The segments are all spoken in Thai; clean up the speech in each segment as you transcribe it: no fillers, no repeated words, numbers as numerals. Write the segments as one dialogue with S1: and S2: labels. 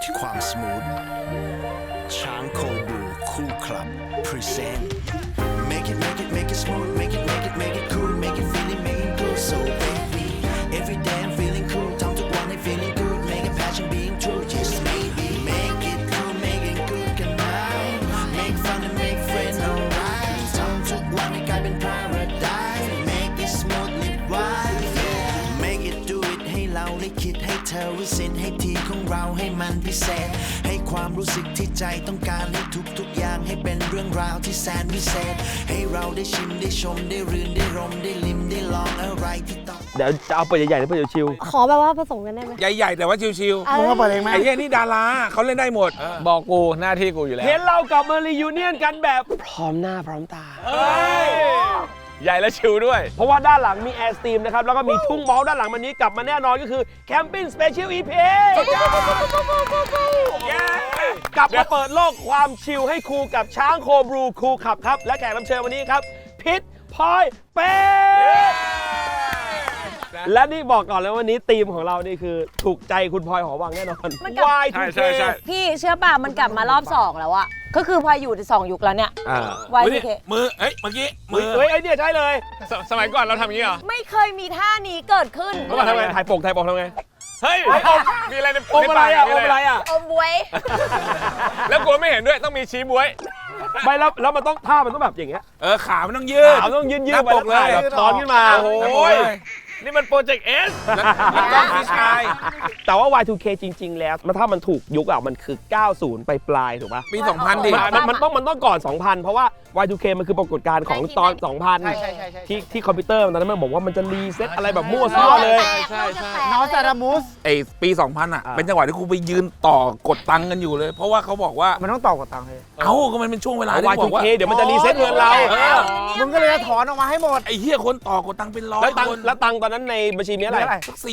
S1: ที่ความสมูทช้างโคบูคู่คลับ present make it smooth make it cool make it feeling make it good so baby every day I'm feeling cool ทำทุกวันให้ feeling good make it passion being true just maybe make it cool make it good กันไหม make fun and make friends alright ทำทุกวันให้กลายเป็น paradise make it smooth live wide yeah make it do it ให้เราได้คิดให้เธอวิเศษให้ทีของเราให้มันพิเศษให้ความรู้สึกที่ใจต้องการให้ทุกอย่างให้เป็นเรื่องราวที่แสนวิเศษให้เราได้ชิมได้ชมได้รื่นได้รมได้ลิ้มได้ลองอะไรที่ต้อง
S2: เดี๋ยวจะเอาเปิดใหญ่ๆหรือเปิดชิว
S3: ขอแบบว่าผสมกันได้ไหม
S4: ใหญ่ๆแต่ว่าชิว
S5: มึงมาเปิดเองไหม
S4: ๆไอ้เหี้ยนี่ดาราเขาเล่นได้หมด
S6: บอกกูหน้าที่กูอยู่แล้ว
S2: เห็นเรากลับมารียูเนียนกันแบบพร้อมหน้าพร้อมตา
S6: ใหญ่และชิวด้วย
S2: เพราะว่าด้านหลังมีแอร์สตรีมนะครับแล้วก็มีทุ่งเมาส์ด้านหลังวันนี้กลับมาแน่นอนก็คือแคมปิ้งสเปเชียลอีพีกลับมาเปิดโลกความชิลให้ครูกับช้างโคบรูครูขับครับและแขกรับเชิญวันนี้ครับพิษพลอยเป้และนี่บอกก่อนเลยวันนี้ธีมของเรานี่คือถูกใจคุณพลอยหอวังแน่นอน Y2K
S3: พี่เชื่อป่ะมันกลับมารอบ2แล้วอะก็คือพออยู่ใน2ยุคแล้วเนี่ย Y2K
S4: มือเมื่อกี้มือ
S2: เฮ้ยไอเนี่ยใช่เลย
S6: สมัยก่อนเราทำอย่างนี้เหรอ
S3: ไม่เคยมีท่านี้เกิดขึ้น
S2: เมื่อก่อนทำไงถ่ายปกทำไง
S6: เฮ้ยมีอะไรใน
S2: อมอะไรอ่ะอมอะไรอ่ะ
S3: อมบวย
S6: แล้วกูไม่เห็นด้วยต้องมีชี้บวย
S2: ไม่แล้วมันต้องท่ามันต้องแบบอย่างเงี้ย
S4: ขามันต้องยืด
S2: ขาต้องยืน
S4: หน้า
S2: ไป
S4: ปกเลย
S2: แบบช้อนขึ้นมา
S6: โอ้ยนี่มันโปรเจกต์เอส
S4: แล้วก็พี่ชาย
S2: แต่ว่า Y2K จริง ๆ แล้วถ้ามันถูกยุคอ่ะมันคือ 90 ไปปลายถูกป่ะ
S4: ปี 2000 ดิ
S2: มันต้องก่อน 2000 เพราะว่า Y2K มันคือปรากฏการณ์ของตอน 2000 ที่คอมพิวเตอร์ตอนนั้นมันบอกว่ามันจะรีเซ็ตอะไรแบบมั่วซั่วเลย
S5: นอสตารามุส
S4: ไอ้ปี 2000 อ่ะ เป็นจังหวะที่ครูไปยืนต่อกดตังค์กันอยู่เลย เพราะว่าเขาบอกว่า
S5: มันต้องต่อกับตังค์เลย
S4: ก็มันเป็นช่วงเวลาที่บอกว่า
S2: Y2K เดี๋ยวมันจะรีเซ็ตเงินเรา
S5: มึงก็เลยจะถอนออกมาให้หมด
S4: ไอ้เหี้ยคนต่อกดตังค์เป็นร้อยคน
S2: แล้วตังค์ตอนนั้นในบัญชีมีอะไร
S4: สัก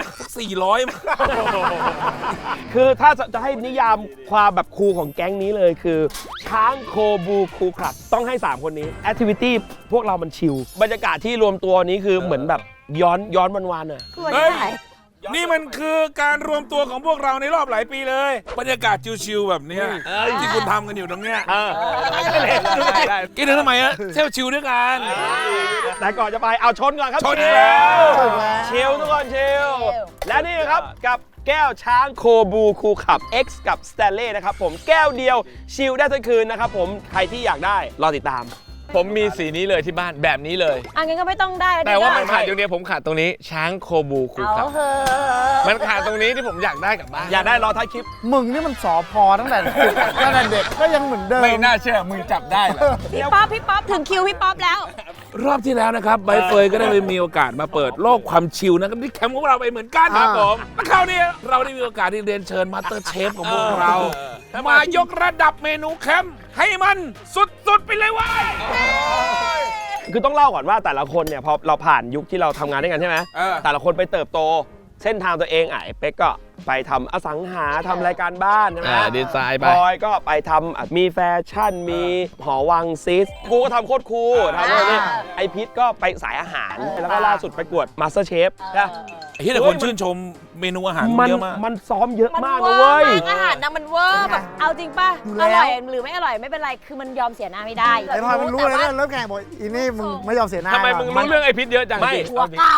S4: 400
S2: คือถ้าจะให้นิยามความแบบคูลของแก๊งนี้เลยคือช้างโคบูคูลคลับต้องให้ 3 คนนี้แอคทิวิตี้พวกเรามันชิลบรรยากาศที่รวมตัวนี้คือเหมือนแบบย้อนวันๆอ่ะ
S4: เฮ้ย นี่มันคือการรวมตัวของพวกเราในรอบหลายปีเลย บรรยากาศชิวๆแบบเนี้ยที่คุณทำกันอยู่ตรงเนี้ยกินทำไมอะเที่ยวชิลด้วยกัน
S2: แต่ก่อนจะไปเอาชนก่อนครับ
S4: ชนแล้ว
S2: ชิลทุกคนชิลและนี่นะครับกับแก้วช้างโคบูคูลคลับ X กับสแตนเล่นะครับผมแก้วเดียวชิลได้ทั้งคืนนะครับผมใครที่อยากได้รอติดตาม
S6: ผมมีสีนี้เลยที่บ้านแบบนี้เลย
S3: งั้นก็ไม่ต้องได้
S6: แต่ว่ามันขาดอยู่เนี่ยผมขาดตรงนี้ช้างโคบูคูครับ
S3: เฮ้ย
S6: มันขาดตรงนี้ที่ผมอยากได้กลับบ้าน
S2: อยากได้รอท้ายคลิป
S5: มึงนี่มันสอพอตั้งแต่เด็กก็ยังเหมือนเดิม
S6: ไม่น่าเชื่อมึงจับได้เหรอ
S3: พี่ป๊อปถึงคิวพี่ป๊อปแล้ว
S4: รอบที่แล้วนะครับใบเฟยก็ได้ไปมีโอกาสมาเปิดโลกความชิลนะครับที่แคมป์ของเราไปเหมือนกันครับผมและคราวนี้เราได้มีโอกาสที่เรียนเชิญมาสเตอร์เชฟของพวกเรามายกระดับเมนูแคมป์ให้มันสุดๆไปเลยว้ย
S2: คือต้องเล่าก่อนว่าแต่ละคนเนี่ยพอเราผ่านยุคที่เราทำงานด้วยกันใช่ไหมแต่ละคนไปเติบโตเส้นทางตัวเองไอ้เป๊กก็ไปทำอสังหาทำรายการบ้านใช่ไหม
S6: ดีไซน์ไป
S2: พลอยก็ไปทำมีแฟชั่นมีหอวังซิสกูก็ทำโคตรคูลทำอะไรนี่ไอพิษก็ไปสายอาหารแล้วก็ล่าสุดไปกวดมาสเตอร์เชฟใช่
S4: เฮ้ยแต่คนชื่นชมเมนูอาหารเยอะมาก
S2: มันซ้อมเยอะ
S3: มัน
S2: มาก
S3: เว
S2: นะ
S3: อ
S2: เว้ย
S3: ร์มากอาหารนะมันเวอร์แบบเอาจริงป่ะอร่อยหรือไม่อร่อยไม่เป็นไรคือมันยอมเสียหน้าไม่ได้
S5: ไอ้พลอยมันรู้เลยนะเริ่มแข่งบอกอีนี่มึงไม่ยอมเสียหน้า
S6: ทำไมมึงรู้เรื่องไอพิษเยอะจัง
S2: ไม่
S3: หัวเก่า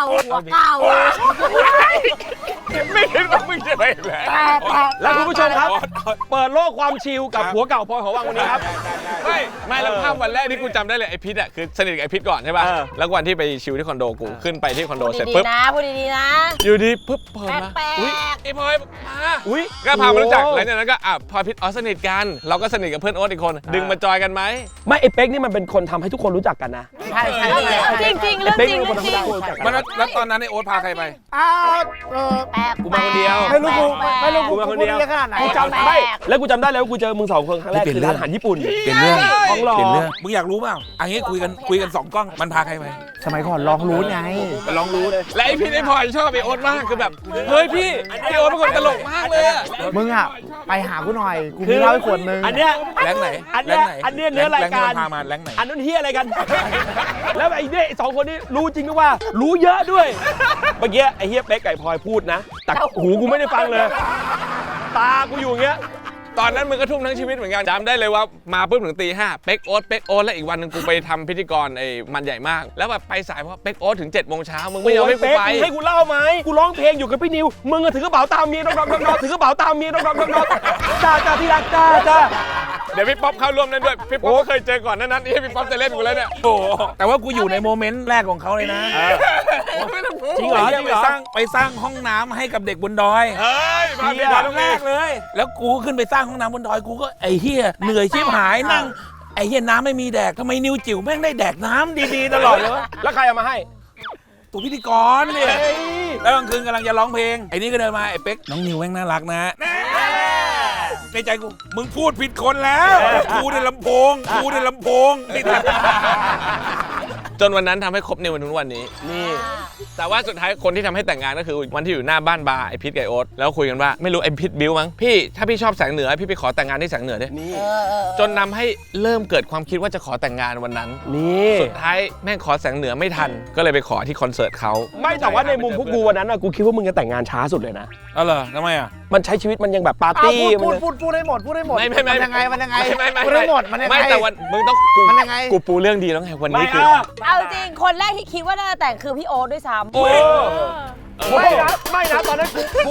S6: ไม่คิดว่ามึงจะไปแหละ
S2: แล้วคุณผู้ชมครับ เปิดโลกความชิลกับหัวเก่าพลอยหอวังวันนี้ครับ
S6: ไม่แล้วภาพวันแรกที่กูจำได้เลยไอพิษอ่ะคือสนิทกับไอพิษก่อนใช่ป่ะแล้ววันที่ไปชิลที่คอนโดกูขึ้นไปที่คอนโดเสร็จ
S3: ดี
S6: ปุ๊บ
S3: ๆนะพูดดีๆนะ
S6: อยู่ดีปุ๊บเปิดมา
S3: แปลก
S6: อุ้ยไอพลอยมา
S2: อุ้ย
S6: ก็พามารู้จักหลังจากนั้นก็พลอยพิษสนิทกันเราก็สนิทกับเพื่อนโอ๊ตอีกคนดึงมาจอยกันไหม
S2: ไม่ไอเป๊กนี่มันเป็นคนทำให้ทุกคนรู้จักกันนะ
S5: ใช่
S3: จริงๆเรื่องจริง
S2: เป็นคน
S3: เรื่องจริง
S2: ธรรมดาคนรู้จักกัน
S4: แล้วตอนนั้นไอโอ๊ตพาใครไป
S5: อ้าว
S3: แปลก
S2: กูมาคนเดียว
S5: ไม่รู้กู
S2: มาคน
S5: พูด
S2: เดียว
S5: ได้ขนาดไหน
S2: กูจำไม่แล้วกูจำได้แล้วกูเจอมึง2 คนครั้งแรกคือร้านอาหารญี่ปุ่น
S4: เปลี่ยนเรื่อง
S2: ของหล่อ
S4: เปลี่ยนเรื่องมึงอยากรู้เปล่าอันนี้คุยกัน2 กล้องมันพาใครไป
S5: สมัยก่อนลองรู้ไง
S4: ลองรู้เลย
S6: และไอพิษไอพลอยชอบไอโอ๊ตมากคือแบบเฮ้ยพี่โอ๊ตเป็นคนตลกมากเลยอะ
S5: มึงอ่ะไปหากูหน่อยกูมีเหล้าให้ขวดนึง
S2: อันเนี้ย
S4: แรงไหน
S2: อันเนี้ยอันเนี้ยเนื้อรายการ
S4: แงที่มันพามาแรงไหน
S2: อันนั้นเฮียอะไรกัน แล้วไอ้เนี่ย2 คนนี้รู้จริงด้วยว่า รู้เยอะด้วย เมื่อกี้ไอ้เฮียเป๊กไก่พลอยพูดนะแต่หูกูไม่ได้ฟังเลยตากูอยู่อย่างเงี้ย
S6: ตอนนั้นมึงก็ทุ่มทั้งชีวิตเหมือนกันจำได้เลยว่ามาปุ๊บถึงตี 5เป๊กโอ๊ตแล้วอีกวันหนึงกูไปทำพิธีกรไอ้มันใหญ่มากแล้วแบบไปสายเพราะเป๊กโอ๊ตถึง7 โมงเช้ามึงไม่ยอมให้กูไป
S2: ให้กูเล่าไหมกูร้องเพลงอยู่กับพี่นิวมึงถือกระเป๋าตามเมียดอกถือกระเป๋าตามเมียดอกจ้าที่รักจ้า
S6: เดี๋ยวพี่ป๊อปเข้าร่วมนั้นด้วยพี่ป๊อปก็เคยเจอก่อนนั้นนี่พี่ป๊อปจะเล่นกูแล้วเนี่ย
S4: โอ้โหแต่ว่ากูอยู่ในโมเมนต์แรกของเขาเลยนะ
S2: จริงเหรอ
S4: ไหี้ยไปสร้างห้องน้ำให้กับเด็กบนดอย
S6: เฮ้ยมาพี่
S4: ต
S6: ป๊อ
S4: อ
S6: ป
S4: นแรกเลย แล้วกูขึ้นไปสร้างห้องน้ำบนดอยกูก็ไอ้เหี้ยเหนื่อยชิบหายนั่งไอ้เหี้ยน้ำไม่มีแดกทำไมนิวจิ๋วแม่งได้แดกน้ำดีๆตลอดเลยวะ
S2: แล้วใครเอามาให้
S4: ตัวพิธีกรเนี่ยแล้วกลางคืนกำลังจะร้องเพลงไอ้นี่ก็เดินมาไอ้เป๊กน้องนิวแม่งน่ารักนะในใจกูมึงพูดผิดคนแล้วกูในลำโพงนี่
S6: จนวันนั้นทำให้ครบในวันถึงวันนี้นี่แต่ว่าสุดท้ายคนที่ทำให้แต่งงานก็คือวันที่อยู่หน้าบ้านบาร์ไอพิทกับไอโอ๊ตแล้วคุยกันว่าไม่รู้ไอพิทบิ้วมั้งพี่ถ้าพี่ชอบแสงเหนือพี่ไปขอแต่งงานที่แสงเหนือดิ
S2: นี่
S6: จนนำให้เริ่มเกิดความคิดว่าจะขอแต่งงานวันนั้น
S2: นี่
S6: สุดท้ายแม่งขอแสงเหนือไม่ทัน ก็เลยไปขอที่คอนเสิร์ตเขา
S2: ไม่แต่ว่าในมุมพวกกูวันนั้นกูคิดว่ามึงจะแต่งงานช้าสุดเลยนะ
S4: อ๋อเหรอทำไมอ่ะ
S2: มันใช้ชีวิตมันยังแบบปาร์
S5: อ้าว
S2: ตี้
S5: พูดให้หมดพูดให้หมด
S6: ไม่
S5: มันยังไงพูดให้หมดมันยังไง
S6: ไม่แต่วันมึงต้องกู
S5: มันยังไง
S6: กูปูเรื่องดีแล้วไงวัน
S2: ไม่
S6: นี้คือ
S3: เอาจริงคนแรกที่คิดว่าน่าจะแต่งคือพี่โอ๊ตด้วยซ้ำ
S2: ไม่นะตอนนั้นกู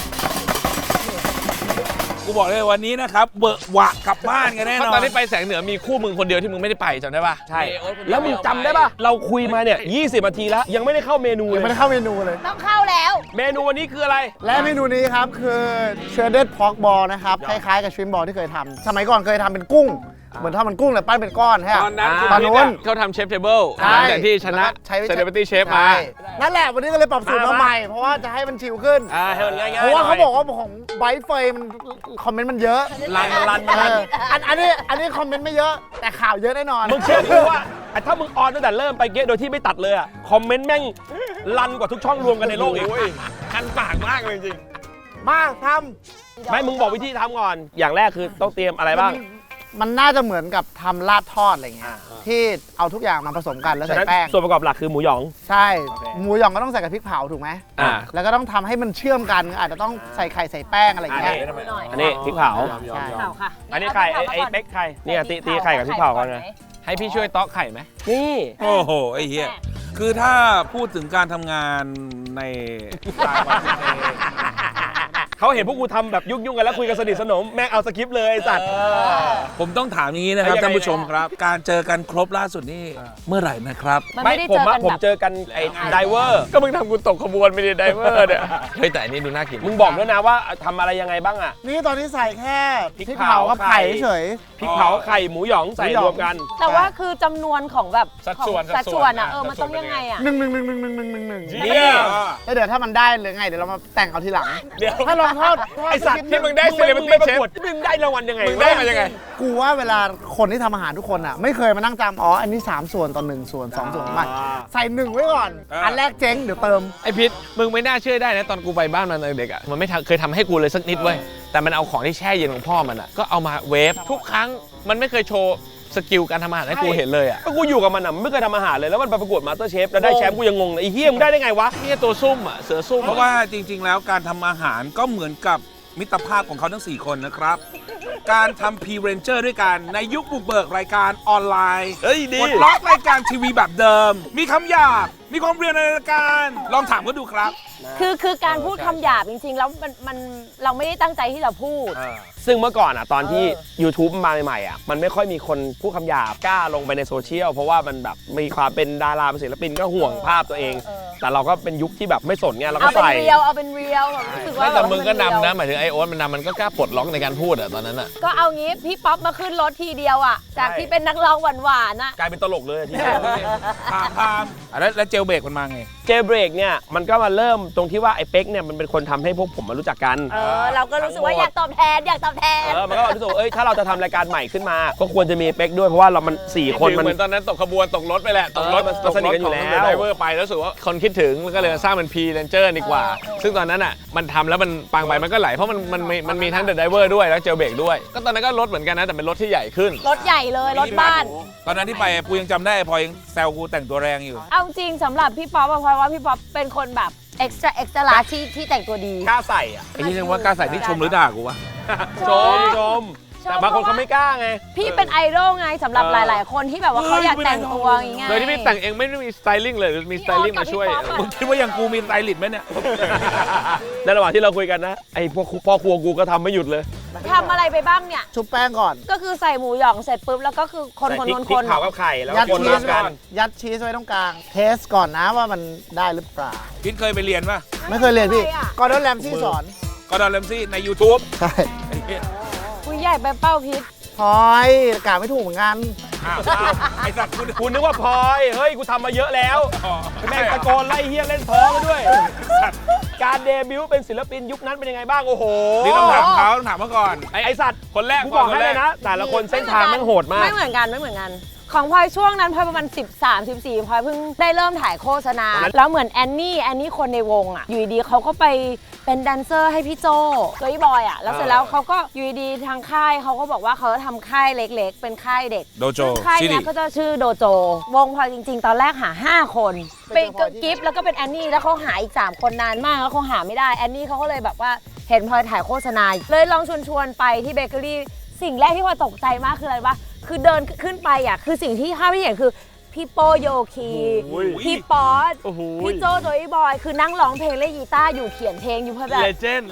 S4: กูบอกเลยวันนี้นะครับเบอะหวะกลับบ้านกันแน่
S6: เพ
S4: นอ
S6: ราะตอน นที่ไปแสงเหนือมีคู่มึงคนเดียวที่มึงไม่ได้ไปจำได้ป่ะ
S2: ใช่แล้วมึงจำได้ป่ะเราคุยมาเนี่ย20 นาทีแล้วยังไม่ได้เข้าเมนูเล
S5: ยังไม่
S2: ย
S5: ได้เข้าเมนูเลย
S3: ต้องเข้าแล้ว
S2: เมนูวันนี้คืออะไร
S5: และเมนูนี้ครับคือเชอร์เดดพอกบอลนะครับคล้ายๆกับชริมบอลที่เคยทำสมัยก่อนเคยทำเป็นกุ้ง เหมือนทำเป็นกุ้งแต่ปั้นเป็นก้อนใช่ไหม
S6: ตอนนั้น
S5: ตอนนู้น
S6: เขาทำเชฟเทเบิล
S5: ใช่
S6: แต่ที่ชนะ
S5: ใช้
S6: เซเลบริตี้เชฟมา
S5: ใช่นั่นแหละวันนี้ก็เลยปรับสูตรมาใหม่ เพราะว่าจะให้มันชิลขึ้น
S2: ให้มันง่ายๆ
S5: เพราะว่าเขา
S2: หน่ย
S5: บอกว่าของไบท์เฟย์มันคอมเมนต์มันเยอะ
S2: รัน
S5: เอออันนี้คอมเมนต์ไม่เยอะ แต่ข่าวเยอะแน่นอน
S2: มึงเชื่อกูว่าถ้ามึงออนตั้งแต่เริ่มไปเก๊โดยที่ไม่ตัดเลยอะคอมเมนต์แม่งรันกว่าทุกช่องรวมกันในโลกอีก
S6: คันปากมากเลยจริง
S5: มาท
S2: ไม่มึงบอกวิธีทำก่อน อย่างแรกคือต้องเตรียมอะไรบ้าง
S5: มันน่าจะเหมือนกับทำลาบทอดอะไรเงี้ยที่เอาทุกอย่างมาผสมกันแล้ว
S2: ฉะ
S5: ใส่
S2: นั้น
S5: แป้ง
S2: ส่วนประกอบหลักคือหมูหยอง
S5: ใช่หมูหยองก็ต้องใส่กับพริกเผาถูกไหม
S2: อ่า
S5: แล้วก็ต้องทำให้มันเชื่อมกันอาจจะต้องใส่ไข่ใส่แป้งอะไรอย่างเงี้ย
S2: อันนี้พริกเผา
S5: ใช่
S3: ข่าวค่ะ
S2: อันนี้ไข่ไอ้เป๊กไข่เนี่ยตีไข่กับพริกเผากันนะ
S6: ให้พี่ช่วยต๊อกไข่ไหม
S2: นี่
S4: โอ้โหไอ้เหี้ยคือถ้าพูดถึงการทำงานในสายวันที่
S2: เขาเห็นพวกกูทำแบบยุ่งๆกันแล้วคุยกันสนิทสนมแม่งเอาสคริปต์เลยไอ้สัตว์
S4: ผมต้องถามอย่างนี้นะครับ
S2: ยังไง
S4: ท่านผู้ชมครับ การเจอกันครบล่าสุดนี่เมื่อไหร่นะครับ
S3: มันไม่ได้เจอกัน
S2: ผม
S3: แบบ
S2: เจอกันไอ้ไดเวอร์
S6: ก็มึงทำกูตกขบวนไม่ได้ไดเวอร์เนี่ยเฮ้ยแต่อันนี้ดูน่ากิน
S2: มึงบอกด้วยนะว่าทำอะไรยังไงบ้างอะ
S5: นี่ตอนนี้ใส่แค่
S2: พริก
S5: พริก
S2: เผา
S5: เผากับไข่เฉย
S2: พริกเผาไข่หมูหยองใส่รวมกัน
S3: แต่ว่าคือจำนวนของแบบ
S6: สัดส่วน
S3: ของสัดส่วนอ่ะมันต้องยังไงอ่ะ
S5: 1 1 1 1 1 1 1
S2: นี่
S5: แล้วเดี๋ยวถ้ามันได้หรือไงเดี๋ยวเรามาแต่งเอาทีหลัง
S2: เดี๋ยว
S5: ถ้าลองทอด
S2: ไอสัตว์
S6: ที่มึงได้
S2: มึงไปประกวดมึงได้รางวัลยังไง
S6: มึงได้มายังไง
S5: กูว่าเวลาคนที่ทำอาหารทุกคนอ่ะไม่เคยมานั่งจำอ๋ออันนี้3ส่วนต่อ1ส่วน2ส่วนไม่ใส่1ไว้ก่อน อันแรกเจ๊งเดี๋ยวเติม
S6: ไอพิษมึงไม่น่าเชื่อได้นะตอนกูไปบ้านมันตอนเด็กอ่ะมันไม่เคยทำให้กูเลยสักนิดเว้ยแต่มันเอาของที่แช่เย็นของพ่อมันอ่ะก็เอามาเวฟทุกครั้งมันไม่เคยโชว์สกิลการทำอาหารให้กูเห็นเลยอ่ะ
S2: ก็กูอยู่กับมันอ่ะไม่เคยทำอาหารเลยแล้วมันไปประกวดมาสเตอร์เชฟแล้วได้แชมป์กูยังงงเลยไอ้เฮียมึงได้ได้ไงวะ
S6: นี่ตัวซุ่มอ่ะเสือซุ่ม
S4: เพราะว่าจริง ๆ แล้วการทำอาหารก็เหมือนกับมิตรภาพของเขาทั้ง 4 คนนะครับ การทำพรีเรนเจอร์ด้วยกันในยุคบุกเบิกรายการออนไลน์
S2: เฮ้ยดี
S4: ปลดล็อกรายการทีวีแบบเดิม มีคำหยาบมีความเรียนในรายการลองถามก็ดูครับ
S3: คือการพูดคำหยาบจริงๆแล้วมันเราไม่ได้ตั้งใจที่จะพูด
S2: ซึ่งเมื่อก่อนอ่ะตอนที่ YouTube มาใหม่ๆอ่ะมันไม่ค่อยมีคนพูดคำหยาบกล้าลงไปในโซเชียลเพราะว่ามันแบบมีความเป็นดาราเป็นศิลปินก็ห่วงภาพตัวเอง แต่เราก็เป็นยุคที่แบบไม่สนไงเราก็
S3: เอาเป็น
S2: ใส่
S3: เรียวแบบรู้สึกว่า
S6: ไม่แต่มึงก็
S3: เรียวน
S6: ำนะหมายถึงไอโอ๊ตมันนำมันก็กล้าปลดล็อกในการพูดอ่ะตอนนั้นอ่ะ
S3: ก็เอางี้พี่ป๊อปมาขึ้นรถทีเดียวอ่ะจากที่เป็นนักร้องหวานๆอ่ะ
S2: กลายเป็นตลกเลยที
S4: พามแล้วเจลเบรกมันมาไง
S2: เจเบรกเนี่ยมันก็มาเริ่มตรงที่ว่าไอ้เป๊กเนี่ยมันเป็นคนทำให้พวกผมมารู้จักกัน
S3: เราก็รู้สึกว่าอยากตอบแทน
S2: มันก็รู้สึกว่าถ้าเราจะทำรายการใหม่ขึ้นมา ก็ควรจะมีเป๊กด้วยเพราะว่าเรามัน4 คนมัน
S6: เหมือนตอนนั้นตกขบวนตกรถไปแหละตกรถ
S2: มันสนิทกันอยู่แล้ว
S6: ไดเวอร์ไปแล้วรู้สึกว่าคนคิดถึงแล้วก็เลยสร้างเป็นพรีเรนเจอร์ดีกว่า ซึ่งตอนนั้นอ่ะมันทำแล้วมันปังไปมันก็ไหลเพราะมันมีทั้งเดอะไดเวอร์ด้วยแล้วเจลเบรกด้วยก็ตอนนั้นก็รถเหมือนกันนะแต่เป็นรถที่ใหญ่ขึ้น
S3: รถใหญ่เลยรถบ้าน
S4: ตอนนั้นที่ไปกูยังจำได้พอยังแซวกูแต่งตัวแรงอยู่
S3: เอาจริงสำหรับพี่ป๊อปอะเพราะว่าพี่ป๊อปเป็นคนแบบ extra large ที่แต่งตัวดี
S2: กล้าใส่อ่ะ
S4: ไอ้ที่เรียกว่ากล้าใส่นี่ชมหรือด่ากูวะ
S2: ชมแต่บางคนเขาไม่กล้าไง
S3: พี่เป็นไอดอลไงสำหรับหลาย ๆ คนที่แบบว่าเขาอยากแต่งตัวอย่างเงี้ย
S6: โดยที่พี่แต่งเองไม่ได้มีสไตลิ่งเลยหรือมีสไตลิ่งมาช่วย
S4: มึงคิดว่าอย่างกูมีสไตลิสต์ไหมเนี่ย
S2: ในระหว่างที่เราคุยกันนะไอ้พวกพ่อครัวกูก็ทำไม่หยุดเลย
S3: ทำอะไรไปบ้างเนี่ย
S5: ชุบแป้งก่อน
S3: ก็คือใส่หมูหยองเสร็จปุ๊บแล้วก็คือคน
S2: ใส่
S3: คน
S2: พริก
S3: คน
S2: พริ
S3: ค
S2: ก
S3: น
S2: เผากับไข่แล้ว
S5: ยัด
S2: คน
S5: ชี
S2: รว
S5: ส
S2: ม
S5: ก่
S2: กั
S5: อน นยัดชีสไว้ตรงกลาง เทสก่อนนะว่ามันได้หรือเปล่า
S4: พิทเคยไปเรียนป่ะ
S5: ไม่เคยเรียนพี่กอร์ดอนแรมซี่สอน
S4: ก็ดอนเลมซี่ใน YouTube
S5: ใช่
S4: ไอ้เหี้ย
S3: คุยใหญ่ไปเป้าพิษ
S5: พลอยกาไม่ถูกเหมือนกัน
S4: อ้าวไอ้สัตว์กู
S2: คุณนึกว่าพลอยเฮ้ยกูทำมาเยอะแล้ว
S4: อ๋อ
S2: แม่งตะโกนไล่เฮียเล่นท้องมาด้วย การเดบิวต์เป็นศิลปินยุคนั้นเป็นยังไงบ้างโอ้โห
S4: นี่ต้องถามเขาต้องถามมาก่อน
S2: ไอสัตว์
S6: คนแรก
S2: กูบอกให้เลยนะ แต่ละคนเส้นทางแม่งโหดมาก
S3: ไม่เหมือนกันไม่เหมือนกัน ของพลอยช่วงนั้นพลอยประมาณ13-14พลอยเพิ่งได้เริ่มถ่ายโฆษณา แล้วเหมือนแอนนี่คนในวงอ่ะอยู่ดีๆเขาก็ไปเป็นแดนเซอร์ให้พี่โจตัวอีบอยอ่ะแล้วเสร็จแล้วเขาก็อยู่ดีๆทางค่ายเขาก็บอกว่าเขาจะทำค่ายเล็กๆ เป็นค่ายเด็ก
S4: โดโจ
S3: ซึ่งค่าย
S4: ซิริ
S3: เนี้ยก็จะชื่อโดโจ วงพลอยจริง ๆ ตอนแรกหา 5 คน เป็นกิฟต์แล้วก็เป็นแอนนี่แล้วเขาหาอีก 3 คนนานมากแล้วเขาหาไม่ได้แอนนี่เขาก็เลยแบบว่าเห็นพลอยถ่ายโฆษณาเลยลองชวนไปที่เบเกอรี่สิ่งแรกที่พลอยตกใจมากคืออะไรวะคือเดินขึ้นไปอ่ะคือสิ่งที่ภาพที่เห็นคือพี่โปโยคีพี่ป๊อตพี่โจโจอีบอยคือนั่งร้องเพลงเล่นกีตาร์อยู่เขียนเพลงอยู่เพื่อแบบ
S6: เลเจนด์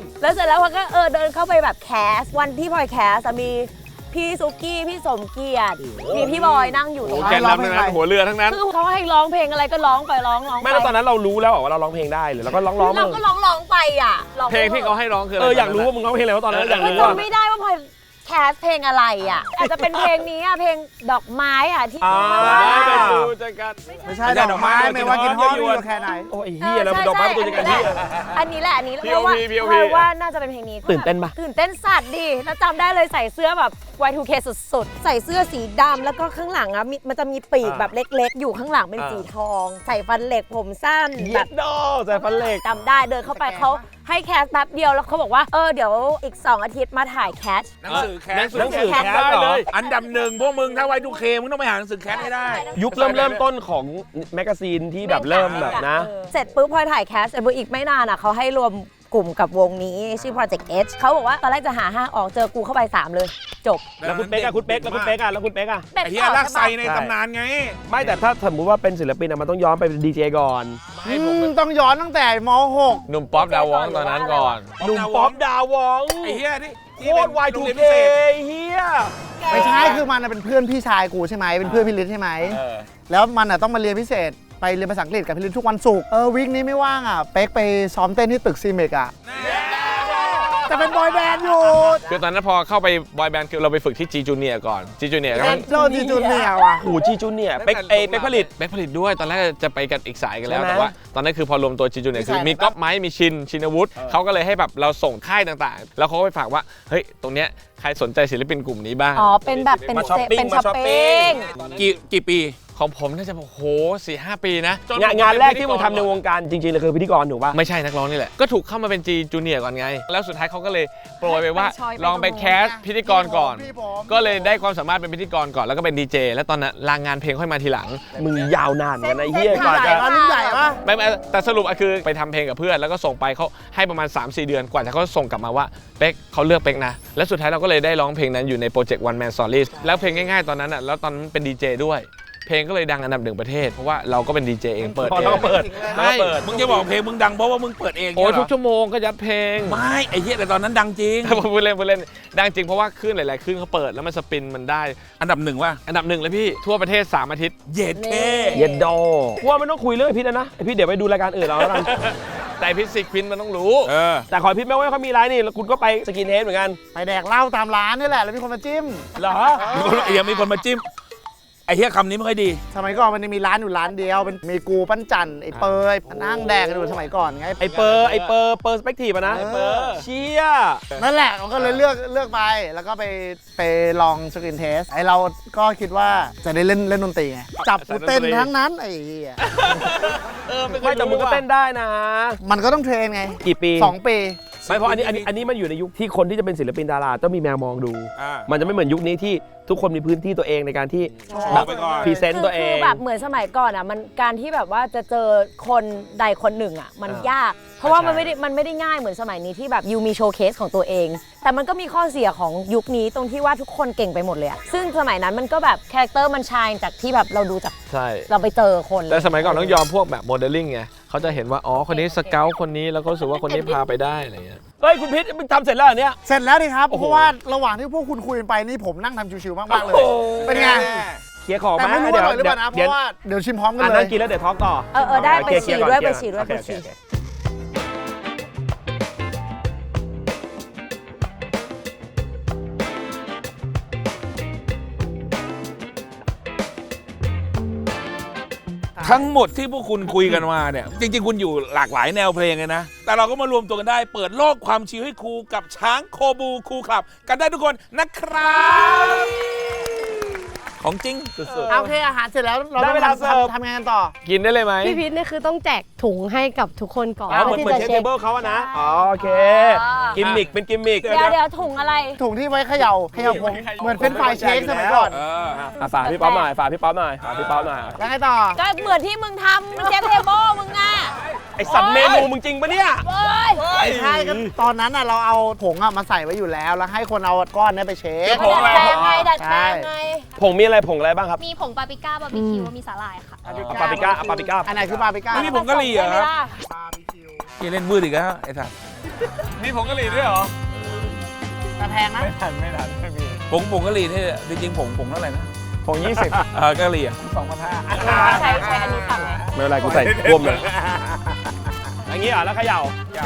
S3: แล้วเสร็จแล้วพลอยก็เดินเข้าไปแบบแคสวันที่พลอยแคสมีพี่ซุกี้พี่สมเกียรติมีพี่บอยนั่งอยู่ตรง
S6: แก
S3: นั้น
S6: นนำทั้งนั้นหัวเรือทั้งนั้น
S3: คือเขาให้ร้องเพลงอะไรก็ร้องไปร้อง
S2: ไม่แล้วตอนนั้นเรารู้แล้วเหรอว่าเราร้องเพลงได้หรือเราก็ร้อง
S3: เราก็ร้องไปอ่ะ
S6: เพลงที่เขาให้ร้องคืออะไร
S2: อยากรู้ว่ามึงร้องเพลงอะไรวะตอนนั้นอยาก
S3: ก็
S2: รู้ว่า
S3: จำไม่ได้ว่าพลอยแคสเพลงอะไรอ่ะอาจจะเป็นเพลงนี้อ่ะเพลงดอกไม้อ่ะที่
S6: ไปดูจักร
S5: ไม่ใช่ดอกไม้ไม่ว่ากินห้องอยู่แค่ไหน
S2: โอ้ยเฮียแล้วดอกไม้เป็นตัวจัดการเฮีย
S3: อันนี้แหละเพราะว่าพลอยว่าน่าจะเป็นเพลงนี้
S2: ตื่นเต้นปะ
S3: ตื่นเต้นสัตว์ดิแล้วจำได้เลยใส่เสื้อแบบ Y2K สุดๆใส่เสื้อสีดำแล้วก็ข้างหลังอ่ะมันจะมีปีกแบบเล็กๆ อยู่ข้างหลังเป็นสีทอง ใส่ฟันเหล็กผมสั้น
S2: เย็
S3: แบ
S2: ด
S3: บ
S2: ดอใส่ฟันเหล็ก
S3: จำได้เดินเข้าไปเขาให้แคสแป๊บเดียวแล้วเขาบอกว่าเดี๋ยวอีก 2 อาทิตย์มาถ่ายแคส
S4: หนังสือแคส
S2: หนังสือแคส
S4: ได้
S2: เหรอ
S4: อันดับหนึ่งพวกมึงถ้าไว้ดูเคมึงต้องไปหาหนังสือแคสให้ได้
S2: ยุคเริ่มต้นของแมกกาซีนที่แบบเริ่มแบบนะ
S3: เสร็จปุ๊บพอถ่ายแคสเสร็จปุ๊บอีกไม่นานอ่ะเขาให้รวมกลุ่มกับวงนี้ชื่อ Project H เขาบอกว่าตอนแรกจะหา5ออกเจอกูเข้าไป 3 เลยจบ
S2: แล้วคุณเป๊กอะคุณเป๊กแล้วคุณเป๊กอะแล้วคุณเป๊กอะ
S3: เป็ด
S4: ไอ้เหี้ย
S3: ต่อ
S4: ลากไซ
S3: ใช่ปะ
S4: ในตำนานไง
S2: ไม่แต่ถ้าสมมติว่าเป็นศิลปินอะมันต้องย้อนไปเป็นดีเจก่อน
S5: ต้องย้อนตั้งแต่ม .6
S6: หนุ่มป๊อปดาวองตอนนั้นก่อน
S2: หนุ่มป๊อปดาวอง
S4: ไอ้เหี้ยที่
S2: โคตร Y2K เฮีย
S5: ไม่ใช่คือมันเป็นเพื่อนพี่ชายกูใช่ไหมเป็นเพื่อนพี่ฤทธิ์ใช่ไหมแล้วมันต้องมาเรียนพิเศษไปเรียนภาษาอังกฤษกับพี่ฤทธิ์ทุกวันศุกร์วีคนี้ไม่ว่างอ่ะเป๊กไปซ้อมเต้นที่ตึกซีเมกอ่ะแต่เป็นบอยแบนด์อยู่
S6: คือตอนนั้นพอเข้าไปบอยแบนด์คือเราไปฝึกที่ G Junior ก่อน G Junior ก็
S5: โจจีจูเนียร์ว่ะ
S2: หูจีจูเนี่ยเป๊กเป๊กผลิต
S6: เป๊กผลิตด้วยตอนแรกจะไปกันอีกสายกันแล้ว
S2: ใช่ไหม
S6: แต่ว่าตอนนั้นคือพอรวมตัว G Junior คือ
S5: สายไหน
S6: มีก๊อฟไม้มีชินวุฒิเขาก็เลยให้แบบเราส่งค่ายต่างๆ แล้วเขาก็ไปฝากว่าเฮ้ยตรงเนี้ยใครสนใจศิลปินกลุ่มนี้บ้าง
S3: อ๋อเป็นแบบเป็น
S2: มาช้อปปิ้ง
S3: เป็น
S2: มาช้
S3: ช้
S2: อ
S3: อ
S2: ป
S3: ป
S2: ปิ้
S3: ปิ้
S2: ง
S3: ง
S4: กี่ปี
S6: ของผมน่าจะโห4-5 ปีนะจน
S2: งานแรกที่มึงทำในวงการจริงๆเลยคือพิธีกรถูกป่ะ
S6: ไม่ใช่นักร้องนี่แหละก็ถูกเข้ามาเป็น G Junior ก่อนไง แล้วสุดท้ายเขาก็เลยโปรยไปว่า
S3: ไปช้อยไป
S6: ลองไปแคสพิธีกรก่อน
S5: พี่ผม
S6: ก็เลยได้ความสามารถเป็นพิธีกรก่อนแล้วก็เป็นดีเจแล้วตอนนั้นลางงานเพลงค่อยมาทีหลัง
S2: มึงยาวนานกันนะเฮียกว่า
S5: ให
S2: จะ
S5: ญ่ปะรุ่นใหญ่ปะ
S6: ไม่แต่สรุปคือไปทำเพลงกับเพื่อนแล้วก็ส่งไปเขาให้ประมาณ 3-4 เดือนกว่าจะเขาส่งกลับมาว่าเป๊กเขาเลือกเป๊กนะแล้วสุดท้ายเราก็เลยได้ร้องเพลงนั้นอยู่ในโปรเจกต์ One Man Stories แล้วเพลงง่ายๆตอนนั้นอ่ะแล้วตอนนั้นเป็นดีเจด้วยเพลงก็เลยดังอันดับ1ประเทศเพราะว่าเราก็เป็นดีเจเองเปิด
S2: พอ
S6: เอง
S2: เราเปิด
S6: ใช่
S4: มึงจะบอกเพลงมึงดังเพราะว่ามึงเปิดเอง
S6: โอ้
S4: เนี่ยเหร
S6: ทุกชั่วโมงก็ยัดเพลง
S4: ไม่ไอ้เหี้ยแต่ตอนนั้นดังจริง
S6: พูดเล่นดังจริงเพราะว่าคลื่นหลายๆคลื่นเขาเปิดแล้วมันสปินมันได้
S4: อันดับหนึ่งว่ะ
S6: อันดับ1เลยพี่ทั่วประเทศ3 อาทิตย์
S4: เย็ดเท่
S2: เย็ดดอว่าไม่ต้องคุยเรื่องไอ้พิษแล้วนะไอ้พิษเดี๋ยวไปดูรายการอื่นเราแล้วกัน
S6: แต่พิสิกพินมันต้องรู้
S2: แต่ขอพิษไม่ว่าเขามีไลน์นี่แล้วคุณก็ไปสกินเฮดเหมือนกัน
S5: ไปแดกเหล้าตามร้านนี่แหละแล้วมีคนมาจิ้ม
S2: เหรอ
S4: ยังมีคนมาจิ้มไอ้เหี้ยคำนี้ไม่ค่อยดี
S5: สมัยก่อนมันจะมีร้านอยู่ร้านเดียวเป็นมีกูปั้นจันไอ้เปยนั่งแดกกันอยู่สมัยก่อนไง
S2: ไอเปอร์สเปกทีฟอะนะ
S5: เออ
S2: เชี่ย
S5: นั่นแหละมันก็เลยเลือกไปแล้วก็ไปลองสกรีนเทสไอเราก็คิดว่าจะได้เล่นดนตรีไงจับกูเต้นทั้งนั้นไอ้เหี้ย
S2: ไม่แต่มึงก็เต้นได้นะ
S5: มันก็ต้องเทรนไง
S2: กี่ปี
S5: 2 ปี
S2: ไม่เพราะอันนี้มันอยู่ในยุคที่คนที่จะเป็นศิลปินดาราต้องมีแมวมองดู มันจะไม่เหมือนยุคนี้ที่ทุกคนมีพื้นที่ตัวเองในการที่แบบพรีเซนต์ตัวเอ
S3: คื
S2: ง
S3: อแบบเหมือนสมัยก่อนอ่ะมันการที่แบบว่าจะเจอคนใดคนหนึ่งอ่ะมันยาก เพราะว่ามันไม่ได้ง่ายเหมือนสมัยนี้ที่แบบยูมีโชว์เคสของตัวเอง แต่มันก็มีข้อเสียของยุคนี้ตรงที่ว่าทุกคนเก่งไปหมดเลยอ่ะซึ่งสมัยนั้นมันก็แบบคาแรคเตอร์มันชายจากที่แบบเราดูจาก
S6: ใช่
S3: เราไปเจอคน
S6: แต่สมัยก่อนต้องยอมพวกแบบโมเดลลิ่งไงเขาจะเห็นว่าอ๋อคนนี้สเกลคนนี้แล้วก็รู้สึกว่าคนนี้พาไปได้อะไรเงี้ย
S2: เฮ้ยคุณพิษมึงทำเสร็จแล้วเหรอเนี่ย
S5: เสร็จแล้วดิครับ
S2: โอ้โห
S5: เพราะว่าระหว่างที่พวกคุณคุยกันไปนี่ผมนั่งทำชิวๆมากๆเลย เป็นไง
S2: เคลียร์ของ
S5: แต่ไม่รู้ว่าอร่อยหรือเปล่านะ เพ
S2: เดี๋ยว
S5: ราะว่าเดี๋ยวชิมพร้อมกัน
S2: อัน
S5: เล
S2: นั้
S5: ย
S2: นกินแล้วเดี๋ยวทอล์กต่อ
S3: เออได้ไป
S2: เคลี
S3: ฉี่
S2: ร์ก่อน
S3: ด้วย
S2: เคลี
S3: ไป
S2: ร์
S3: ฉี่ด้วย
S2: โอเค
S3: ไปฉี่
S2: โอเค
S4: ทั้งหมดที่พวกคุณคุยกันมาเนี่ย จริงๆ คุณอยู่หลากหลายแนวเพลงเลยนะ แต่เราก็มารวมตัวกันได้ เปิดโลกความชิลให้ครูกับช้างโคบูคูคลับ กันได้ทุกคนนะครับ ของจริงสุด
S5: โอเคอาหารเสร็จแล้วเรา
S2: ได้
S5: ต้อง
S2: เวลาเสิร์ฟ
S5: ทำงานกันต่อ
S6: กินได้เลยไหม
S7: พี่พีทเนี่ยคือต้องแจกถุงให้กับทุกคนก่อน
S2: อ๋อเหมือนเชฟเทเบิลเขาอะนะ อ๋อโอเค กิมมิกเป็นกิมมิก
S3: เดี๋ยวถุงอะไร
S5: ถุงที่ไว้เขย่าผมเหมือนเป็นไฟรายเชคสมัยก่อน
S4: ๆ
S2: อ่ะฝากพี่ป๊อปหน่อยฝากพี่ป๊อปหน่อยฝากพี่ป๊อปหน่อย
S5: แล้วไงต่อ
S3: ก็เหมือนที่มึงทำมันเชฟเทเบิลมึงอ่ะ
S2: ไอสัตว์เมนูมึงจริงปะเนี่ย
S3: เว้ย
S5: ไม่ใช่ก็ตอนนั้นน่ะเราเอาผงมาใส่ไว้อยู่แล้ว แล้วให้คนเอาก้อนเนี้ไปเช็ค
S3: ดัดแปลงไงดัดแปลงไง
S2: ผงมีอะไรผงอะไรบ้างครับ
S8: มีผงปาปริก้าบาร์บีคิวมีสาหร่ายค่ะ
S2: ปาปริก้าปาปริก้า
S5: อันไหนคือบาร์บีก้า
S4: ไม่มีผงกะหรี่เหรอครับ
S5: บาร์บีคิว
S4: พี่เล่นวืดอีกแล้วไอ้สัส
S6: มีผงกะหรี่ด้วยเหรอ
S5: แต่แพงนะ
S6: ไม่ทันไม่มี
S4: ผงกะหรี่นี่จริงๆผงเท่าไหร่นะ
S6: ผง20
S4: กะหรี่อะ
S3: ใช้อันนี้ตักไหม
S2: ไม่เป็นไรกูใส่ท่วมเลยอย่างงี้เหรอแล้วเขย่า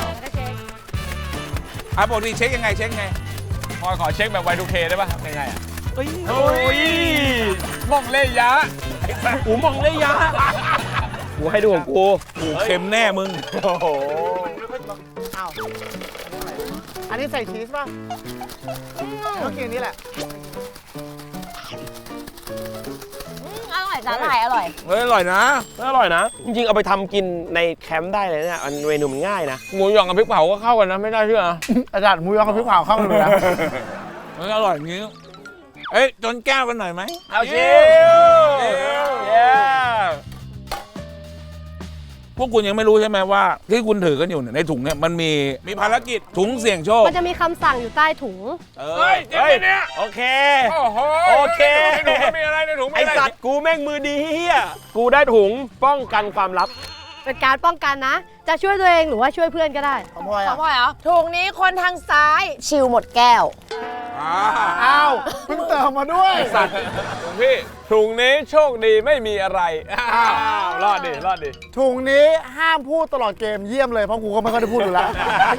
S4: ปกติเช็คยังไงเช็คไง
S6: พอขอเช็คแบบ Y2K ได้ป่ะยังไงอ่ะ
S2: โอ้ย
S6: มองเลยยะ
S2: อูมองเลยยะกูให้ดูของกู
S4: กูเค็มแน่มึง
S2: โอ้โห
S5: อ้าวอันนี้ใส่ชีสป่ะต้องกินอันนี้แหละ
S3: อร่อยสาหร่ายอร่อย
S4: เฮ้ยอร่อยนะ
S2: อร่อยนะ จริงๆ เอาไปทำกินในแคมป์ได้เลยเนี่ยเมนูมันง่ายนะ
S6: หมูหยองกับพริกเผาก็เข้ากันนะไม่ได้เชื่อ
S5: อาจารย์หมูยอกับพริกเผาเข้ากันเลยนะ
S4: เฮ้ยอร่อยอย่างนี้ เอ้ยจนแก้วกันหน่อยไหม
S2: เอาชิล
S4: พวกคุณยังไม่รู้ใช่ไหมว่า ที่คุณถือกันอยู่เนี่ยในถุงเนี่ยมันมีภารกิจถุงเสี่ยงโชค
S7: มันจะมีคำสั่งอยู่ใต้ถุง
S4: เฮ้ยเจ๊เนี่ย
S2: โอเค
S4: โอ้โห
S2: โอเค
S4: ในถุงมันมีอะไรในถุงมี
S2: ไอ
S4: อะไร
S2: สัตว์กูแม่งมือดีเฮียกูได้ถุงป้องกันความลับ
S7: เป็นการป้องกันนะ จะช่วยตัวเองหรือว่าช่วยเพื่อนก็ได้
S5: ของพลอย
S3: ขอ
S5: อ่ะ
S3: พ่อยเหรอถุงนี้คนทางซ้ายชิลหมดแก้ว
S5: อ้าวเพิ่งเติมมาด้วย
S6: สัตว์พี่ถุงนี้โชคดีไม่มีอะไรอ้าวรอดดิรอดดิ
S5: ถุงนี้ห้ามพูดตลอดเกมเยี่ยมเลยเพราะกูก็ไม่ค่อยได้พูดอยู่แล้ว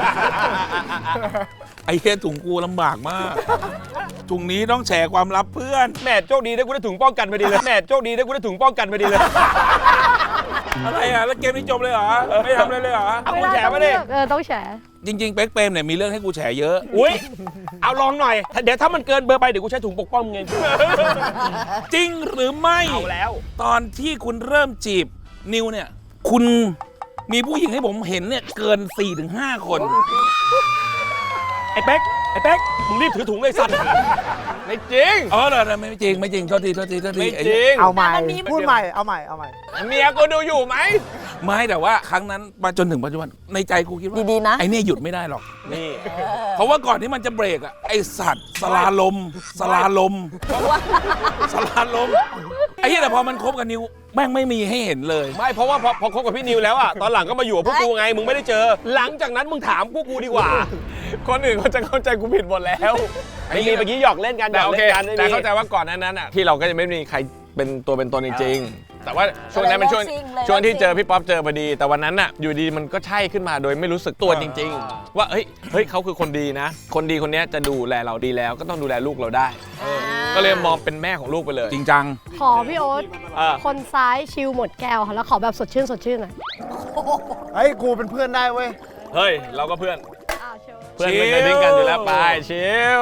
S4: ไอ้เหี้ยถุงกูลำบากมาก ถุงนี้ต้องแชร์ความลับเพื่อน
S2: แม่โชคดีได้กูได้ถุงป้องกันพอดีเลยแม่โชคดีได้กูได้ถุงป้องกันพอดีเลย
S4: อะไรอ่ะ แล้วเกมนี้จบเลยเหรอ ไม่ทำอะไรเลยเหรอ
S2: เอา
S7: ไม่
S2: กู
S7: ได้
S2: แฉ
S7: ต้อง
S2: มา
S7: เลื
S2: ดิ
S7: อกต้องแฉ
S4: จริง ๆ เป๊กเปรมเนี่ยมีเรื่องให้กูแฉเยอะ
S2: อุ้ยเอาลองหน่อย เดี๋ยวถ้ามันเกินเบอร์ไปเดี๋ยวกูใช้ถุงปกป้องมึงเอง
S4: จริงหรือไม่
S2: เอาแล้ว
S4: ตอนที่คุณเริ่มจีบนิวเนี่ย คุณมีผู้หญิงให้ผมเห็นเนี่ยเกิน 4-5 คน
S2: ไอ้เป๊กมึงรีบถือถุงเลยสัตว์
S6: ไม่จริง
S4: อ๋อเหรอไม่จริงโทษที
S6: ไม่จริง
S5: เอาใหม่
S3: แต่มันมี
S5: พูดใหม่เอาใหม่
S6: เมียกูดูอยู่ไหม
S4: ไม่แต่ว่าครั้งนั้นมาจนถึงปัจจุบันในใจกูคิดว่า
S3: ดีๆนะ
S4: ไอ้เนี่ยหยุดไม่ได้หรอก
S2: นี่
S4: เพราะว่าก่อนที่มันจะเบรกอ่ะไอสัตว์สลาลมไอ้เหี้ยแต่พอมันคบกับนิวแม่งไม่มีให้เห็นเลย
S2: ไม่เพราะว่าพอคบกับพี่นิวแล้วอ่ะตอนหลังก็มาอยู่กับพวกกูไงมึงไม่ได้เจอ หลังจากนั้นมึงถามพวกกูดีกว่า
S6: คนอื่นเขาจะเข้าใจกูผิดหมดแล้ว
S2: ไม่มีเมื่อกี้หยอกเล่นกันหย
S6: แต่
S2: อก
S6: โอเค
S2: เล่นกันไม่
S6: แต่
S2: มี
S6: เข้าใจว่าก่อนหนั้นอ่ะที่เราก็จะไม่มีใครเป็นตัวเป็นตนจริงๆแต่ว่าช่วงนั้นเป็นช่วง
S3: เลยเลิกซิ่งเลย
S6: ช่วงที่
S3: เลิกซิ่ง
S6: เจอพี่ป๊อปเจอพอดี แต่วันนั้นน่ะอยู่ดีมันก็ใช่ขึ้นมาโดยไม่รู้สึกตัวจริง ๆ ว่าเฮ้ยเขาคือคนดีนะ คนดีคนเนี้ยจะดูแลเราดีแล้วก็ต้องดูแลลูกเราได้ ก็เลยมองเป็นแม่ของลูกไปเลย
S4: จริงจัง
S7: ขอพี่โอ๊ต คนซ้ายชิลหมดแก้วค่ะแล้วขอแบบสดชื่นหน่อย
S5: เฮ้ย กูเป็นเพื่อนได้เว้ย
S2: เฮ้ยเราก็เพื่อน
S7: อ้าวเชิญ
S2: เพื่อนเป็นในดิ้งกันอยู่แล้วไปชิล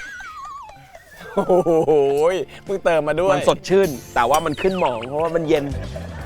S2: โอ้โหมึงเติมมาด้วยมันสดชื่น แต่ว่ามันขึ้นหมองเพราะว่ามันเย็น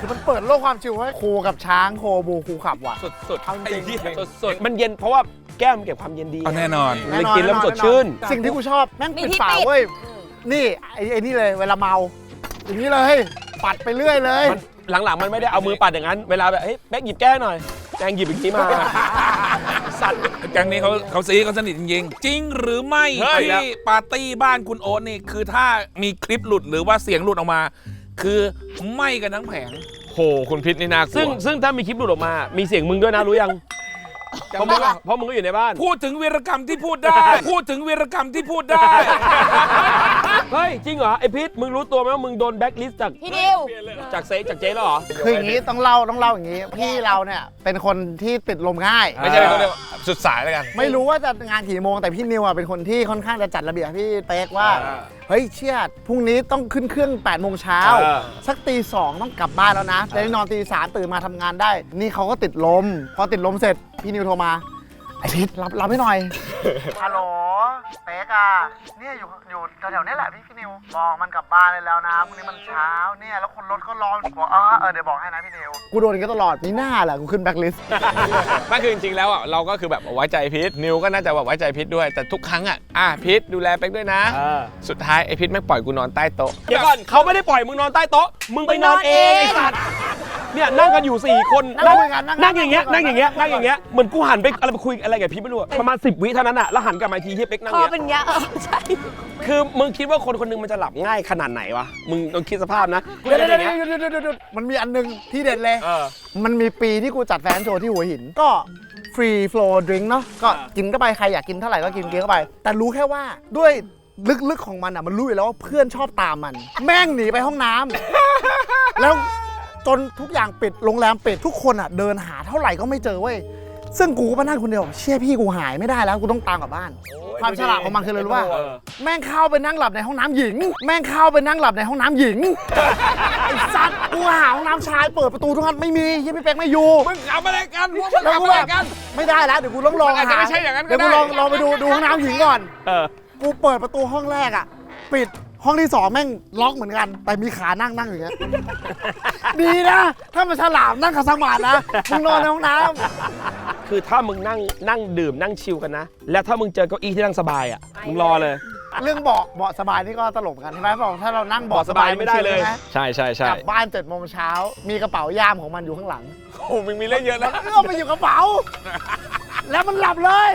S5: คือมันเปิดโลกความชิลให้ครูกับช้างโคบูครูขับว่ะ
S2: สุด
S5: เอาจริง
S2: สุดมันเย็นเพราะว่าแก้วมันเก็บความเย็นดี
S4: แน่นอน
S2: มันเลยกินแล้วมันสดชื่น
S5: สิ่งที่กูชอบแม่ง
S3: มี
S5: ปิด
S3: ที่
S5: ฝา
S3: ปิด
S5: เว้ยนี่ไอ้นี่เลยเวลาเมาอย่างนี้เลยปัดไปเรื่อยเลย
S2: หลังๆมันไม่ได้เอามือปัดอย่างนั้นเวลาแบบเฮ้ยแบ๊กหยิบแก้วหน่อยแจงหยิบอย่างนี้มาสัตว์
S4: แก๊งนี้เขาซีเขาสนิทจริงๆ จริงหรือไม่
S2: เฮ้ย
S4: ที่ปาร์ตี้บ้านคุณโอ๊ตนี่คือถ้ามีคลิปหลุดหรือว่าเสียงหลุดออกมา คือไหม้กันทั้งแผง
S6: โหคุณพิษนี่น่ากลัว
S2: ซึ่งถ้ามีคลิปหลุดออกมา มีเสียงมึงด้วยนะรู้ยังเพราะมึงก็อยู่ในบ้าน
S4: พูดถึงวีรกรรมที่พูดได้ พูดถึงวีรกรรมที่พูดได้
S2: เฮ้ยจริงเหรอไอพิษมึงรู้ตัวไหมว่ามึงโดนแบ็คลิสต์จาก
S3: พี่ดิว
S2: จากเจ๊แล้วเหรอ
S5: คืออย่างนี้ต้องเล่าอย่างนี้ พี่เราเนี่ยเป็นคนที่ติดลมง่าย
S6: ไม่ใช่เป็นคนเดียวสุดสายแล้วกัน
S5: ไม่รู้ว่าจะงานกี่โมงแต่พี่นิวอ่ะเป็นคนที่ค่อนข้างจะจัดระเบียบพี่เป๊กว่า เฮ้ยเชี่ยพรุ่งนี้ต้องขึ้นเครื่อง8 โมงเช้าสักตี 2ต้องกลับบ้านแล้วนะจะได้นอนตี 3ตื่นมาทำงานได้ นี่เขาก็ติดลมพอติดลมเสร็จพี่นิวโทรมาไอพิษรับให้หน่อยฮัลโหลเป๊กอ่ะเนี่ยอยู่แถวๆนี้แหละพี่นิวบอกมันกลับบ้านเลยแล้วนะพรุ่งนี้มันเช้าเนี่ยแล้วคนรถก็รอบอกเดี๋ยวบอกให้นะพี่นิวกูโดนกันตลอดนี่หน้าแหละกูขึ้นแบ็คลิสต์
S6: ไม่คือจริงๆแล้วอ่ะเราก็คือแบบไว้ใจพิษนิวก็น่าจะแบบไว้ใจพิษด้วยแต่ทุกครั้งอ่ะพิษดูแลเป็กด้วยนะ สุดท้ายไอพิษไม่ปล่อยกูนอนใต้โต๊ะ
S2: เดี๋ยวก่อนเขาไม่ได้ปล่อยมึงนอนใต้โต๊ะมึงไปนอนเองไอ้สัตว์เนี่ยนั่งกันอยู่4 คน นั่งอย่างเงี้ยเหมือนกูหันไปอะไรไปคุยอะไรกับพี่ไม่รู้อะประมาณ10 วิเท่านั้นอะแล้วหันกลับมาอีกทีเฮียเป๊กนั่ง
S3: คอ
S2: เงี้ย
S3: เป็นอย่างเงี้ยใช่
S2: คือมึงคิดว่าคนคนหนึงมันจะหลับง่ายขนาดไหนวะมึงลองคิดสภาพนะกูจะอย่างเงี้ย
S5: มันมีอันนึงที่เด็ดเลย มันมีปีที่กูจัดแฟนโชว์ที่หัวหิน ก็ฟรีโฟลว์ดริงก์เนาะก็กินเข้าไปใครอยากกินเท่าไหร่ก็กินเข้าไป แต่รู้แค่ว่าด้วยลึกๆของมันอ่ะมันรู้อยู่แล้วว่าเพื่อนชอบตามมัน แม่งหนีไปห้องน้ำ แล้วจนทุกอย่างปิดโรงแรมปิดทุกคนอ่ะเดินหาเท่าไหร่ก็ไม่เจอเว้ยซึ่งกูก็มานั่งคนเดียวเชี่ยพี่กูหายไม่ได้แล้วกูต้องตามกลับบ้าน ความฉลาดของมันคืออะไรรู้ป่ะแม่งเข้าไปนั่งหลับในห้องน้ำหญิง ไอ้สัตว์กูหาห้องน้ำชายเปิดประตูทุกครั้งไม่มียังพี่เป๊กไม่อยู่
S4: มึงขำอะไรกันพวกมึง
S5: แล้ว
S4: ขำ
S5: กู
S4: อะไร
S5: แบบ
S4: กัน
S5: ไม่ได้แล้วเดี๋ยวกูต้องลอง
S6: มันอาจจะไม่ใช่อย่างนั้นก็ได้
S5: เดี๋ยวกูลองไปดูห้องน้ำหญิงก่อน กูเปิดประตูห้องแรกอ่ะปิดห้องที่2แม่งล็อกเหมือนกัน แต่มีขานั่งอย่างเงี้ย ดีนะ ถ้ามันฉลามนั่งขัดสมาธินะมึงนอนในห้องน้ำ
S2: คือถ้ามึงนั่งดื่มนั่งชิลกันนะ แล้วถ้ามึงเจอเก้าอี้ที่นั่งสบายอ่ะมึงรอเลย
S5: เรื่องเบาะสบายนี่ก็ตลกเหมือนกันใช่ไหมบอกถ้าเรานั่งเบาะสบาย
S2: ไม่ได้เลย
S6: ใช่
S5: กลับบ้าน7 โมงเช้ามีกระเป๋าย่ามของมันอยู่ข้างหลัง
S6: โอ้มึงมีเรื่องเยอะ
S5: มั
S6: นะ
S5: นเอื้อมไปอยู่กระเป๋า แล้วมันหลับเลย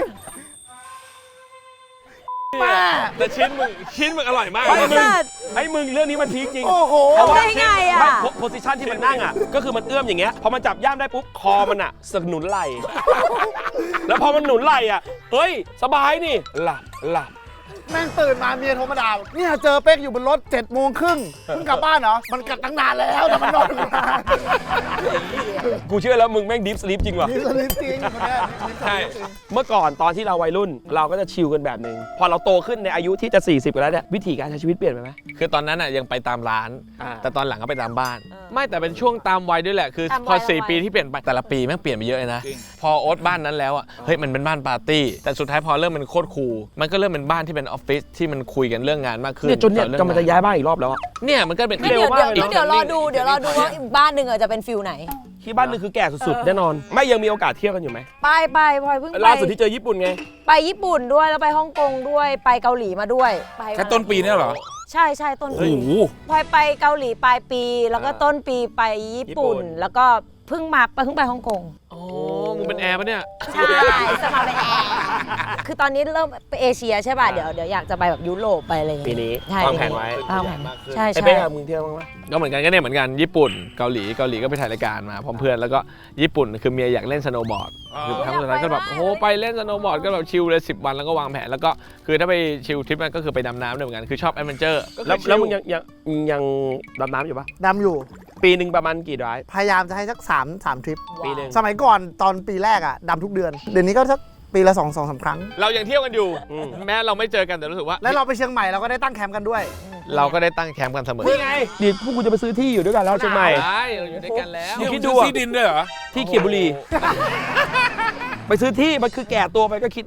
S5: แม่
S6: แต่ชิ้นมึงอร่อยมาก
S2: ไอ้
S6: เลย
S2: มึงไอ้มึงเรื่องนี้มันพีคจริง
S5: โอ้โห
S2: เพราะว่า
S3: ได้ไงอะ
S2: โพสิชันที่มันนั่งอ่ะก็คือมันเอื้อมอย่างเงี้ยพอมันจับย่ามได้ปุ๊บคอมันอ่ะสนุนไหล่ แล้วพอมันหนุนไหล่อ่ะเฮ้ยสบายนี่หลับ
S5: แม่งตื่นมาเมียโทรมาด่าเนี่ยเจอเป๊กอยู่บนรถ7 โมงครึ่งเพิ่งกลับบ้านเหรอ มันกลับตั้งนานแล้วแต่มันนอนอยู่นาน
S2: กูเชื่อแล้วมึงแม่งดิฟสลีปจริงว่ะ
S5: นี่สลิปจริงคนเนี้ยนี่สลิปจริง
S2: เมื่อก่อนตอนที่เราวัยรุ่นเราก็จะชิลกันแบบนึงพอเราโตขึ้นในอายุที่จะ 40กันแล้วเนี่ยวิธีการใช้ชีวิตเปลี่ยนไปไหม
S6: คือตอนนั้นอ่ะยังไปตามร้าน
S2: อ่า
S6: แต่ตอนหลังก็ไปตามบ้าน ไม่แต่เป็นช่วงตามวัยด้วยแหละคือ
S3: ตาม
S6: พอ
S3: วัย
S6: 4 ปีที่เปลี่ยนไปแต่ละปีแม่งเปลี่ยนไปเยอะเลยนะ พอโอ๊ตบ้านนั้นแล้วอ่ะเฮ้ยมันเป็นบ้านปาร์ตี้แต่สุดท้ายพอเริ่มเป็นโคตรคูลมันก็เริ่มเป็นบ้านที่เป็นออฟฟิศที่มันคุยกันเรื่องงานมากขึ้น
S2: เนี่ยจนเนี่ย
S6: ต่อรื่อง
S2: กำลังจะย้ายบ้านอีกรอบแล้วอะ
S6: เนี่ยมันก็เป็น
S3: เดี๋ยวรอดูว่าอีกบ้านหนึ่งจะเป็นฟิลไหน
S2: ที่บ้านนึงคือแก่สุดๆแน่นอน ไม่ยังมีโอกาสเที่ยวกันอยู่ไหม
S3: ไปพลอยเพิ่งไป
S2: ล่าสุดที่เจอญี่ปุ่นไง
S3: ไปญี่ปุ่นด้วยแล้วไปฮ่องกงด้วยไปเกาหลีมาด้วยไป
S4: แค่ต้นปีเนี่ยเหรอ
S3: ใช่ต้นปี
S4: โอ้โห
S3: พลอยไปเกาหลีปลายปี แล้วก็ต้นปีไปญี่ปุ่น แล้วก็เพิ่งไปฮ่องกง
S6: โอ้มึงเป็นแอร์ปะเนี่ย
S3: ใช่สมัครเป็นแอร์คือตอนนี้เริ่มไปเอเชียใช่ป่ะเดี๋ยวอยากจะไปแบบยุโรปไปอะไรอย่าง
S2: ปี
S3: เงี้ย
S2: นี้
S3: ใช่
S2: วางแผนไว้
S3: วางแผนใช่
S2: ไอ้
S3: ใช่
S2: เป้กับมึงเที่ยวบ้างไหม
S6: ก็เหมือนกันเหมือนกันญี่ปุ่นเกาหลีก็ไปถ่ายรายการมาพร้อมเพื่อนแล้วก็ญี่ปุ่นคือเมียอยากเล่นสโนว์บอร์ดคือครั้งสุดท้ายก็แบบโอ้โหไปเล่นสโนว์บอร์ดก็แบบชิลเลย10 วันแล้วก็วางแผนแล้วก็คือถ้าไปชิลทริปนั้นก็คือไปดำน้ำด้วยเหมือนกันคือชอบแอดเวนเจอร์
S2: แล้วมึงยังดำน้ำอยู่ปะ
S5: ดำอยู่
S2: ปีหนึ่งประมาณกี่ไดรฟ์
S5: พยายามจะให้สัก3 ทริป
S2: ปีหนึ่ง
S5: สมัยก่อนตอนปีแรกอ่ะดำทุกเดือน เดี๋ยวนี้ก็สักปีละ2-3 ครั้ง
S6: เรายังเที่ยวกันอยู่แม้เราไม่เจอกันแต่รู้สึกว่า
S5: แล้วเราไปเชียงใหม่เราก็ได้ตั้งแคมป์กันด้วย
S6: เราก็ได้ตั้งแคมป์กันเสมอ
S2: นี่ไงดิพวกกูจะไปซื้อที่อยู่ด้วยกันแล้วเชียงใหม่
S6: ใช่เราอยู่ด้วยกันแล้ว
S2: มึงคิด
S4: ดู
S2: ดูอะ
S4: ที่ดินด้วยเหรอ
S2: ที่เขียนบุรี ไปซื้อที่มันคือแก่ตัวไปก็คิดว่า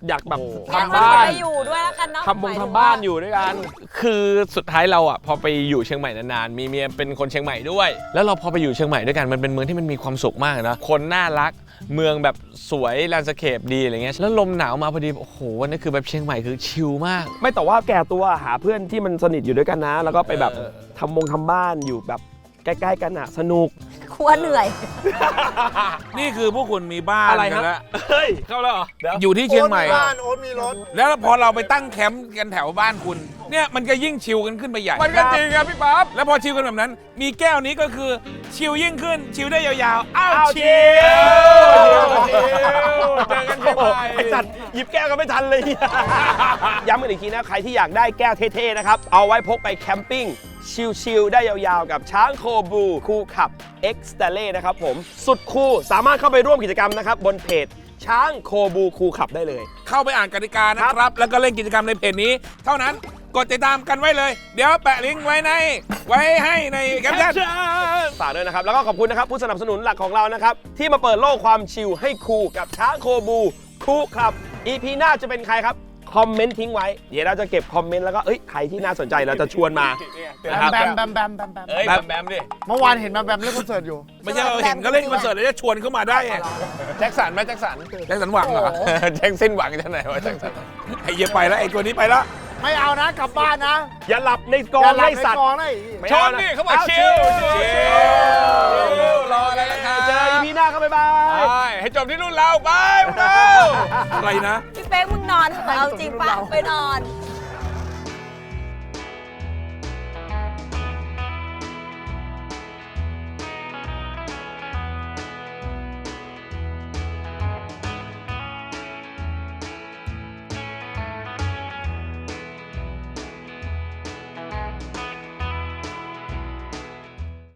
S2: อยากแบบ
S3: งั้น
S2: ทำบ้าน
S3: ไปอยู่ด้วยแล้วกันเนาะ
S2: ทำบ้านอยู่ด้วยกัน
S6: คือสุดท้ายเราอ่ะพอไปอยู่เชียงใหม่นานๆมีเมียเป็นคนเชียงใหม่ด้วย แล้วเราพอไปอยู่เชียงใหม่ด้วยกันมันเป็นเมืองที่มันมีความสุขมากนะคนน่ารักเมืองแบบสวยแลนด์สเคปดีอะไรเงี้ยแล้วลมหนาวมาพอดีโอ้โหวันนี้คือแบบเชียงใหม่คือชิลมาก
S2: ไม่แต่ว่าแก่ตัวหาเพื่อนที่มันสนิทอยู่ด้วยกันนะ แล้วก็ไปแบบทำบ้านอยู่แบบใกล้ๆกันอ่ะสนุก
S3: ครัวเหนื่อย
S4: นี่คือพวกคุณมีบ้าน
S2: อะไร
S4: กัน
S2: ฮะ
S4: แล้ว
S2: เฮ้ยเข้าแล้วเหรอเดี๋ยว
S4: อยู่ที่เชียงใหม่
S5: โอ๊ตบ้านโอ๊ตมีรถ
S4: แล้วพอเราไปตั้งแคมป์กันแถวบ้านคุณ เนี่ยมันก็ยิ่งชิลกันขึ้นไปใหญ่
S6: มันก็จริงครับพี่ป๊อป
S4: แล้วพอชิลกันแบบนั้น มีแก้วนี้ก็คือชิลยิ่งขึ้นชิลได้ยาวๆอ้าว
S2: อ้าว
S4: ชิล
S6: เจอกันเชียงใหม่
S2: ไอ้สัตว์หยิบแก้วกันไม่ทันเลย ย้ำกันอีกทีนะใครที่อยากได้แก้วเท่ๆนะครับเอาไว้พกไปแคมปิ้งชิลๆได้ยาวๆกับช้างโคบูคูลขับ X s t a l e นะครับผมสุดคูลสามารถเข้าไปร่วมกิจกรรมนะครับบนเพจช้างโคบูคูลขับได้เลย
S4: เข้าไปอ่านกติกานะครับ แล้วก็เล่นกิจกรรมในเพจนี้ เท่านั้นกดติดตามกันไว้เลย เดี๋ยวแปะลิงก์ไว้ให้ในแคปชั่น
S2: ฝากด้วยนะครับ แล้วก็ขอบคุณนะครับ ผู้สนับสนุนหลักของเรานะครับ ที่มาเปิดโลกความชิลให้คูลกับช้างโคบูคูลครับ EP หน้าจะเป็นใครครับ คอมเมนต์ทิ้งไว้ เดี๋ยวเราจะเก็บคอมเมนต์แล้วก็ใครที่น่าสนใจเราจะชวนมานะครับ
S5: แบมแบมแบมแบมแบม
S6: เอ้ยแบมดิ
S5: เมื่อวานเห็นแบมแบมเล่นคอนเสิร์ตอยู่
S4: ไม่ใช่เราเห็นเขาเล่นคอนเสิร์ตแล้วจะชวนเข้ามาได้ไง
S6: แจ็คสันไหมแจ็คสัน
S4: แจ็คสันหวังเหรอ
S6: แจ็คสิ้นหวังจะไหนวะแจ็คสัน
S4: ไอ้เหี้ยไปแล้วไอ้ตัวนี้ไปแล้ว
S5: ไม่เอานะกลับบ้านนะ
S2: อย่าหลับในกอ
S5: อย่าง หลับ
S2: ไล่
S5: ใน
S2: สัตว์
S5: กองนะ
S2: ไม่
S6: ช
S2: เอา
S6: น
S2: นะ
S6: นี่เขาบอกชิลรออะไรล่ะครับ
S2: เจอ EP หน้าครับบ๊ายบาย
S6: ไปให้จบที่รุ่นเราไปพวกเรา
S4: อะไรนะ
S3: พี่เป๊กมึงนอนเถอะเอาจริงปะไปนอน